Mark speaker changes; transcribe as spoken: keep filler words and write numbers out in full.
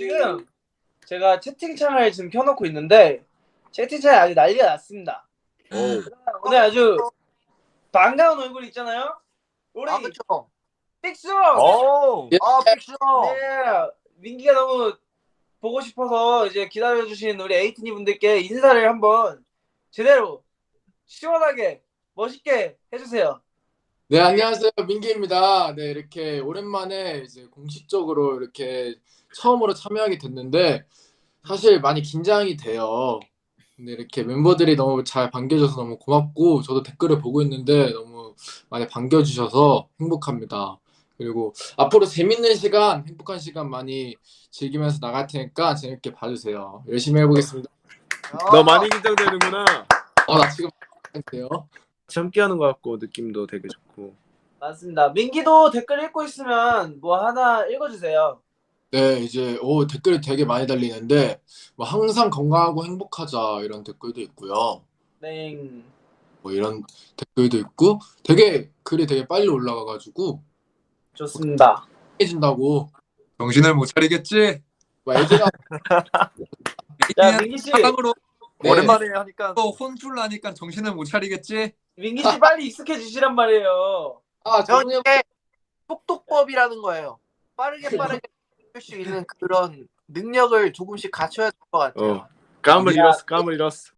Speaker 1: 지금 제가 채팅창을 지금 켜놓고 있는데 채팅창이 아주 난리가 났습니다.
Speaker 2: 오.
Speaker 1: 오늘 아주 반가운 얼굴 있잖아요. 우리
Speaker 3: 아 그쵸.
Speaker 1: 픽스.
Speaker 2: 오.
Speaker 3: 아 픽션.
Speaker 1: 네, 민기가 너무 보고 싶어서 이제 기다려주신 우리 에이티니 분들께 인사를 한번 제대로 시원하게 멋있게 해주세요.
Speaker 4: 네, 안녕하세요. 민기입니다. 네, 이렇게 오랜만에 이제 공식적으로 이렇게 처음으로 참여하게 됐는데 사실 많이 긴장이 돼요. 근데 이렇게 멤버들이 너무 잘 반겨줘서 너무 고맙고 저도 댓글을 보고 있는데 너무 많이 반겨주셔서 행복합니다. 그리고 앞으로 재밌는 시간, 행복한 시간 많이 즐기면서 나갈 테니까 재밌게 봐주세요. 열심히 해보겠습니다.
Speaker 2: 너 많이 긴장되는구나.
Speaker 4: 어, 나 지금 돼요.
Speaker 2: 함께하는 것 같고 느낌도 되게 좋고.
Speaker 1: 맞습니다. 민기도 댓글 읽고 있으면 뭐 하나 읽어주세요.
Speaker 4: 네, 이제 오 댓글이 되게 많이 달리는데 뭐 항상 건강하고 행복하자 이런 댓글도 있고요.
Speaker 1: 네.
Speaker 4: 뭐 이런 댓글도 있고 되게 글이 되게 빨리 올라가가지고
Speaker 1: 좋습니다.
Speaker 4: 해진다고
Speaker 5: 정신을 못 차리겠지?
Speaker 4: 뭐 애들아
Speaker 1: 자, 민기 씨,
Speaker 5: 사랑으로
Speaker 4: 네.
Speaker 2: 오랜만에 하니까
Speaker 5: 또 혼쭐 나니까 정신을 못 차리겠지?
Speaker 1: 민기 씨 빨리 익숙해지시란 말이에요.
Speaker 4: 아
Speaker 3: 저
Speaker 4: 정우영
Speaker 3: 이게 똑똑법이라는 거예요. 빠르게 빠르게 할 수 있는 그런 능력을 조금씩 갖춰야 될 것 같아요.
Speaker 2: 어. 까물
Speaker 1: 야.
Speaker 2: 잃었어. 까물 잃었어.